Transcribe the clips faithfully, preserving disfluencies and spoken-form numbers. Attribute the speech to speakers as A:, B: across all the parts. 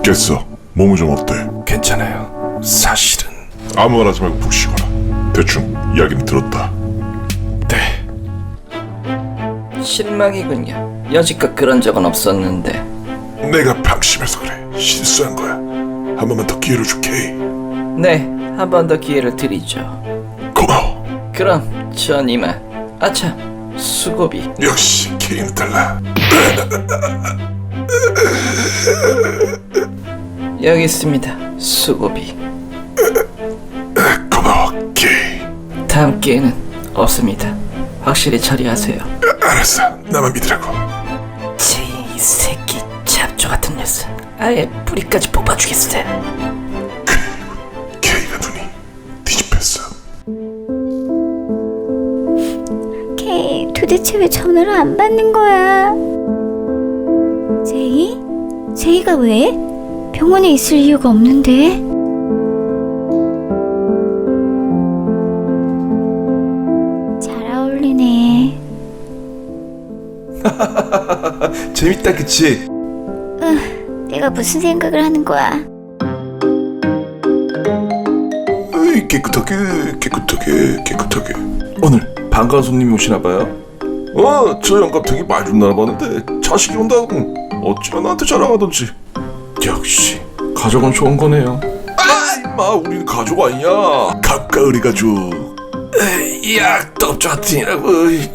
A: 깼어. 몸은 좀 어때?
B: 괜찮아요. 사실은.
A: 아무 말 하지 말고 푹 쉬거라. 대충 이야기는 들었다.
B: 네.
C: 실망이군요. 여지껏 그런 적은 없었는데.
A: 내가 방심해서 그래. 실수한 거야. 한 번만 더 기회를 줄게.
C: 네, 한 번 더 기회를 드리죠.
A: 고마워.
C: 그럼 전 이만. 아차, 수고비.
A: 역시 케이는 달라.
C: 여기 있습니다. 수고비.
A: 고마워 케이.
C: 다음 기회는 없습니다. 확실히 처리하세요.
A: 알았어. 나만 믿으라고.
C: 이 새끼 잡초 같은 녀석. 아예 뿌리까지 뽑아주겠어요.
A: 케이가 눈이 뒤집혔어.
D: 케이, 도대체 왜 전화를 안 받는 거야? 제이? 제이가 왜? 병원에 있을 이유가 없는데? 잘 어울리네.
B: 재밌다, 그치?
D: 내가 무슨 생각을 하는 거야?
B: 으이, 깨끗하게, 깨끗하게, 깨끗하게. 오늘 반가운 손님이 오시나봐요. 어, 저 영감 되게 말 좀 나눠봤는데 자식이 온다고 어찌나 나한테 자랑하던지. 역시 가족은 좋은 거네요. 아, 임마, 우리는 가족 아니냐? 가까우리 가족. 에이, 야, 떡자틴이라고.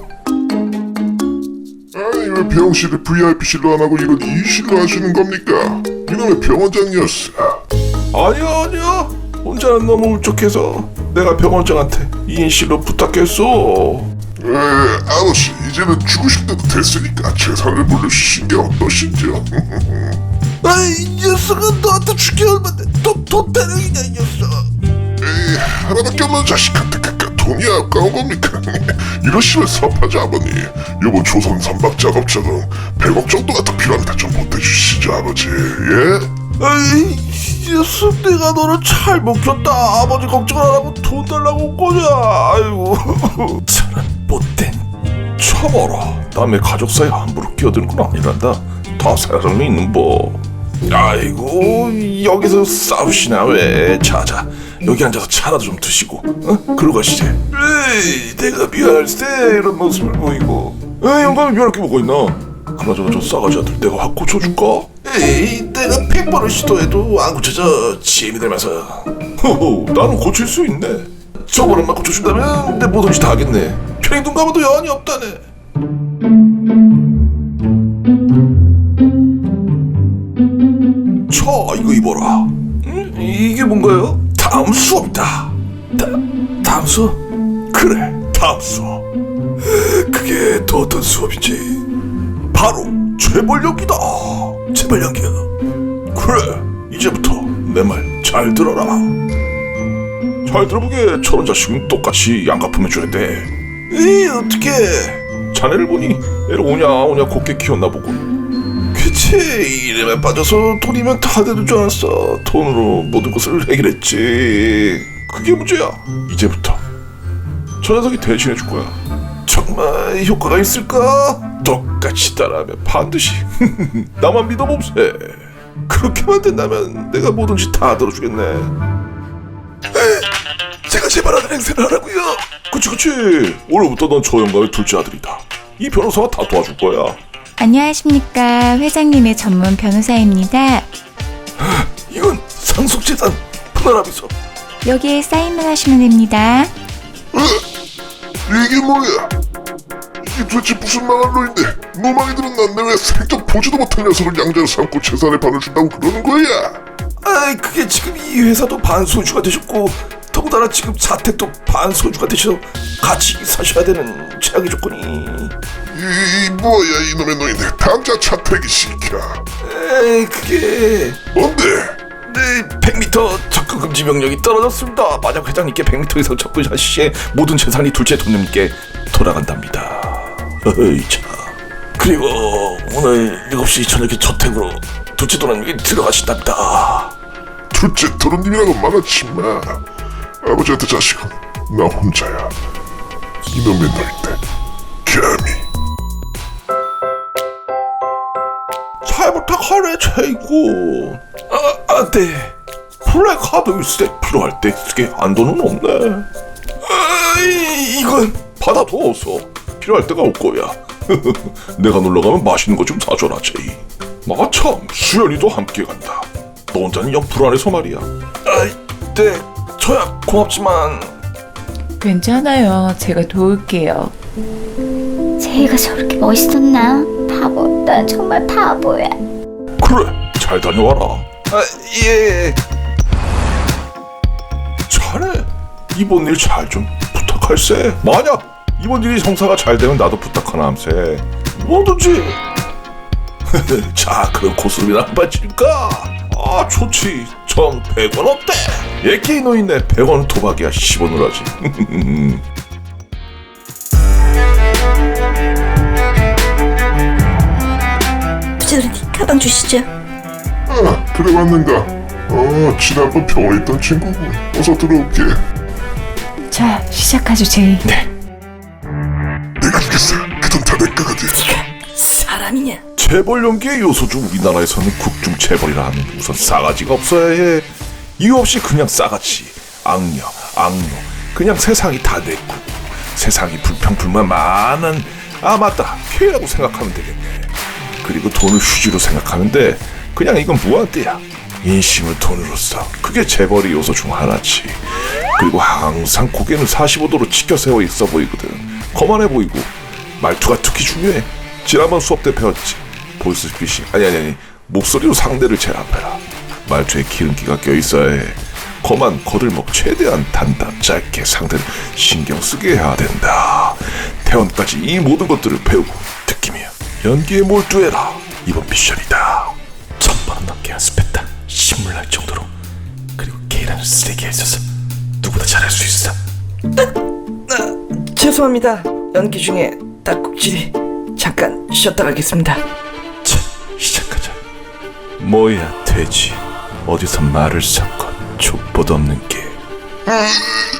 A: 아니 왜 병실을 브이아이피실로 안 하고 이런 이실로 하시는 겁니까? 이놈의 병원장이었어.
B: 아니야, 아니야. 혼자는 너무 울적해서 내가 병원장한테 이인실로 부탁했어.
A: 에 아저씨 이제는 죽으실 때도 됐으니까 재산을 물려주신 게 어떠신지요?
B: 아이, 이 녀석은 너한테 죽기 얼마인데 또 도태령이냐, 이 녀석.
A: 에이 하나밖에 없는 자식한테 그깟 돈이 아까운 겁니까? 이러시면 섭하지 아버님. 요번 조선 선박 작업자금 백억 정도가 더 필요합니다. 좀 보태주시죠 아버지. 예?
B: 아이, 이 녀석, 내가 너를 잘 먹혔다. 아버지 걱정 안 하고 돈 달라고 온 거냐. 아이고. 저런 못된. 쳐봐라, 남의 가족 사이에 함부로 끼어드는 건 아니란다. 다 사정이 있는 법. 아이고, 여기서 싸우시나 왜. 자자, 여기 앉아서 차라도 좀 드시고, 어? 그러고 가시지. 에이, 내가 미안할세 이런 모습을 보이고. 에이, 영감이 미안할 게 뭐가 있나. 그나저나 저 싸가지 않을 내가 확 고쳐줄까? 에이, 내가 백 번을 시도해도 안 고쳐져. 지엠이 닮아서. 호호, 나는 고칠 수 있네. 저번에만 고쳐준다면 내 뭐든지 다 하겠네. 편히 눈 감아도 여한이 없다네. 자, 이거 입어라. 음? 이게 뭔가요? 다음 수업이다. 다, 다음 수업? 그래, 다음 수업. 그게 또 어떤 수업이지? 바로 재벌 연기다. 재벌 연기야. 그래, 이제부터 내 말 잘 들어라. 잘 들어보게. 저런 자식은 똑같이 양가품 해줘야 돼. 에이, 어떡해. 자네를 보니 애를 오냐 오냐 곱게 키웠나 보고. 그치, 이름에 빠져서 돈이면 다 되는 줄 알았어. 돈으로 모든 것을 해결했지. 그게 문제야. 이제부터 저 녀석이 대신해 줄 거야. 정말 효과가 있을까? 똑같이 따라하면 반드시. 나만 믿어봅세. 그렇게만 된다면 내가 뭐든지 다 들어주겠네. 제가 제발하는 행세를 하라고요. 그치 그치. 오늘부터 넌 저 영감의 둘째 아들이다. 이 변호사가 다 도와줄 거야.
E: 안녕하십니까. 회장님의 전문 변호사입니다.
B: 이건 상속재산 분할합의서.
E: 여기에 사인만 하시면 됩니다.
A: 이게 뭐야? 이게 도대체 무슨 망할 놈인데 노망이들은 난데 왜 생전 보지도 못한 녀석을 양자로 삼고 재산의 반을 준다고 그러는 거야?
B: 아이, 그게 지금 이 회사도 반소유주가 되셨고 더군다나 지금 자택도 반소유주가 되셔서 같이 사셔야 되는 최악의 조건이.
A: 이, 이 뭐야 이놈의 노인네. 당장 차태기 시켜.
B: 에이, 그게
A: 뭔데?
B: 네, 백 미터 접근 금지 명령이 떨어졌습니다. 만약 회장님께 백 미터 이상 접근하실 시에 모든 재산이 둘째 돈님께 돌아간답니다. 어이 참. 그리고 오늘 일곱 시 저녁에 저택으로 둘째 돈님이 들어가신답니다.
A: 둘째 도련님이라고 말하지 마. 아버지한테 자식은 나 혼자야. 이놈의 노인네. 감히.
B: 잘 부탁하래, 최고. 아, 아, 네. 블랙 하드 스택 필요할 때 쓰게 한도는 없네. 아, 이, 이건 받아둬서 필요할 때가 올 거야. 내가 놀러 가면 맛있는 거 좀 사줘라, 제이. 마참, 수연이도 함께 간다. 너 혼자는 영 불안해서 말이야. 아, 네. 저야 고맙지만.
E: 괜찮아요. 제가 도울게요.
D: 제이가 저렇게 멋있었나? 바보, 난 정말 바보야.
B: 그래, 잘 다녀와라. 아, 예. 잘해. 이번 일 잘 좀 부탁할세. 만약 이번 일이 성사가 잘 되면 나도 부탁하나 함세. 뭐든지. 자, 그럼 고스톱이나 한번 칠까? 아, 좋지. 전 백 원 어때? 예끼 노인네 백 원 도박이야. 십 원으로 하지.
F: 부자들님 가방 주시죠.
A: 아, 그래 왔는가? 어, 지난번 병원에 있던 친구고. 어서 들어올게.
E: 자, 시작하죠, 제이.
B: 네.
A: 내가 주겠어. 그 돈 다 내 거거든.
F: 사람이냐?
B: 재벌 연기의 요소주 우리나라에서는 국중 재벌이라 하면 우선 싸가지가 없어야 해. 이유 없이 그냥 싸가지, 악녀, 악녀, 그냥 세상이 다 내 거고 세상이 불평불만 많은 아 맞다 피해라고 생각하면 되겠네. 그리고 돈을 휴지로 생각하면 돼. 그냥 이건 무한대야. 인심을 돈으로 써. 그게 재벌의 요소 중 하나지. 그리고 항상 고개는 사십오 도로 치켜 세워 있어 보이거든. 거만해 보이고 말투가 특히 중요해. 지난번 수업 때 배웠지. 보이스피싱 아니 아니 아니 목소리로 상대를 제압해라. 말투에 기름기가 껴있어야 해. 거만 거들먹 최대한 단답 짧게 상대를 신경 쓰게 해야 된다. 태원까지 이 모든 것들을 배우고 느끼며 연기에 몰두해라. 이번 미션이다. 천번 원 넘게 연습했다. 신물 날 정도로. 그리고 K라는 쓰레기에 있어서 누구나 잘할 수 있어.
F: 죄송합니다. 연기 중에 딱꼭질이 잠깐 쉬었다 가겠습니다.
B: 자, 시작하자. 뭐야 돼지. 어디서 말을 섞어 족보도 없는 게.
A: 음,